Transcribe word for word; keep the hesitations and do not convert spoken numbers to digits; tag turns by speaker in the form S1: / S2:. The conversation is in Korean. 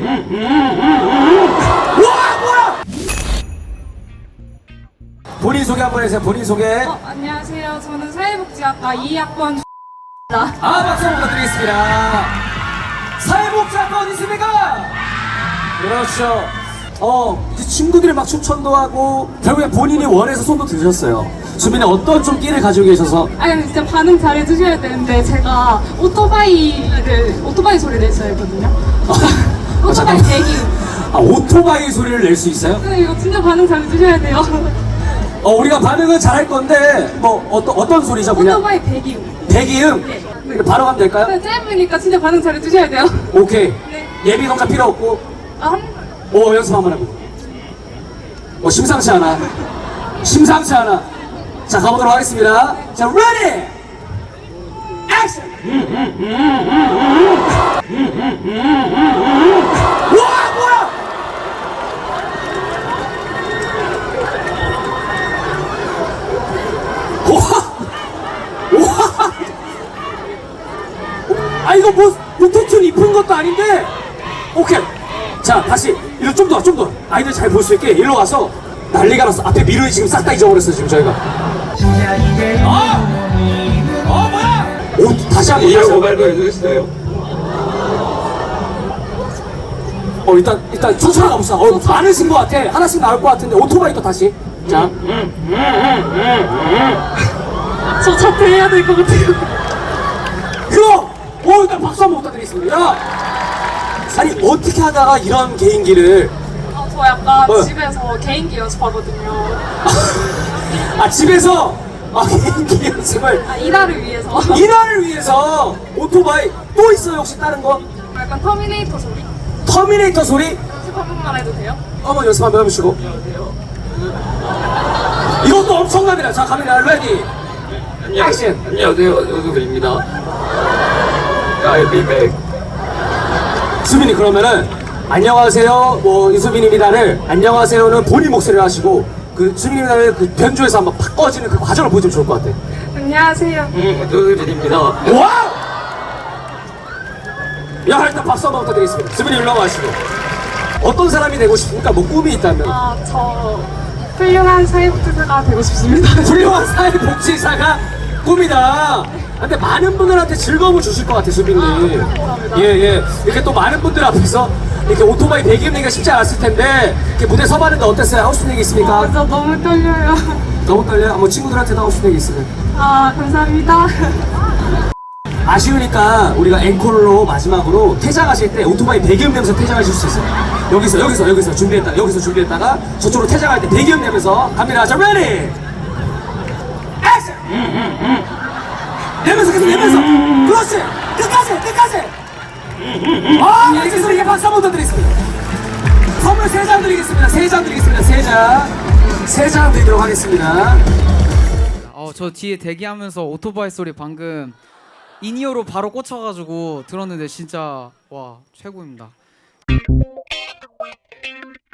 S1: 와 뭐야! 본인 소개 한번 해주세요. 본인 소개.
S2: 어, 안녕하세요. 저는 사회복지학과 이 학번
S1: 아 박수 부탁드리겠습니다. 사회복지학과 어디 있습니까? 그렇죠. 어 이제 친구들이 막 추천도 하고 결국에 본인이 원해서 손도 드셨어요. 수빈이 어떤 좀 끼를 가지고 계셔서
S2: 아니 진짜 반응 잘해주셔야 되는데 제가 오토바이를 오토바이 소리 낼 줄 알거든요. 오토바이
S1: 잠깐만.
S2: 대기.
S1: 아 오토바이 소리를 낼 수 있어요?
S2: 근데 이거 진짜 반응 잘해주셔야 돼요.
S1: 어 우리가 반응은 잘할 건데 뭐 어떤 어떤 소리죠 그냥?
S2: 오토바이 대기.
S1: 대기음?
S2: 네.
S1: 바로 가면 될까요?
S2: 네, 짧으니까 진짜 반응 잘해주셔야 돼요.
S1: 오케이.
S2: 네.
S1: 예비 동작 필요 없고
S2: 아, 한...
S1: 오 연습 한번 해보고. 어 심상치 않아. 심상치 않아. 자 가보도록 하겠습니다. 자 ready. 액션. 와 뭐야? 와. 와. 아 이거 뭐 루테툰 입은 것도 아닌데. 오케이. 자 다시 이리 좀 더 좀 더 아이들 잘 볼 수 있게 일로 와서 난리가 났어. 앞에 미르이 지금 싹 다 잊어버렸어 지금 저희가. 아! 어 뭐야? 오 다시 한번 다시 한번
S3: 발표해주겠어요?
S1: 어 일단 일단 천천히 가봅시다. 어 많으신 것 같아. 하나씩 나올 것 같은데 오토바이 또 다시. 자.
S2: 저 자퇴해야 될 것 같아요.
S1: 그럼! 오 일단 박수 한번 부탁드리겠습니다. 야! 아니 어떻게 하다가 이런 개인기를
S2: 아, 저 약간
S1: 어.
S2: 집에서 개인기 연습하거든요.
S1: 아 집에서 아 개인기 연습을
S2: 아, 이날을 위해서.
S1: 이날을 위해서 오토바이 또 있어요 혹시 다른 거?
S2: 약간 터미네이터 소리?
S1: 터미네이터 소리?
S2: 연습 한 번만 해도 돼요?
S1: 한번 연습 한번 해보시고. 이것도 엄청납니다. 자 카메라 레디 액션.
S3: 안녕하세요, 오수빈입니다. I'll be back.
S1: 수빈이 그러면은 안녕하세요 뭐 이수빈입니다를 안녕하세요는 본인 목소리를 하시고 그 수빈입니다를 그 변조해서 한번 팍 꺼지는 그 과정을 보여주면 좋을 것 같아.
S2: 안녕하세요.
S3: 음, 오수빈입니다.
S1: 와우! 야 일단 박수 한번 부탁드리겠습니다. 수빈이 일로 와시고 어떤 사람이 되고 싶습니까? 뭐 꿈이 있다면.
S2: 아, 저 훌륭한 사회복지사가 되고 싶습니다.
S1: 훌륭한 사회복지사가 꿈이다. 근데 많은 분들한테 즐거움을 주실 것 같아 수빈이.
S2: 아, 감사합니다.
S1: 예예. 이렇게 또 많은 분들 앞에서 이렇게 오토바이 배기음 내기가 쉽지 않았을 텐데 이렇게 무대 서봤는데 어땠어요? 하고 싶은 얘기 있습니까?
S2: 아, 저 너무 떨려요.
S1: 너무 떨려요? 뭐 친구들한테도 하고 싶은 얘기 있으면.
S2: 아, 감사합니다.
S1: 아쉬우니까 우리가 앵콜로 마지막으로 퇴장하실 때 오토바이 배기음 내면서 퇴장하실 수 있어요. 여기서 여기서 여기서 준비했다 여기서 준비했다가 저쪽으로 퇴장할 때 배기음 내면서 갑니다. 자 레디 액션. 내면서 계속 내면서 그렇지 끝까지 끝까지. 아 알겠습니다. 이게 박수 한번 더 드리겠습니다. 선물 세 장 드리겠습니다. 세 장 드리겠습니다. 세장세 장 드리도록 하겠습니다.
S4: 어, 저 뒤에 대기하면서 오토바이 소리 방금 인이어로 바로 꽂혀가지고 들었는데 진짜 와 최고입니다.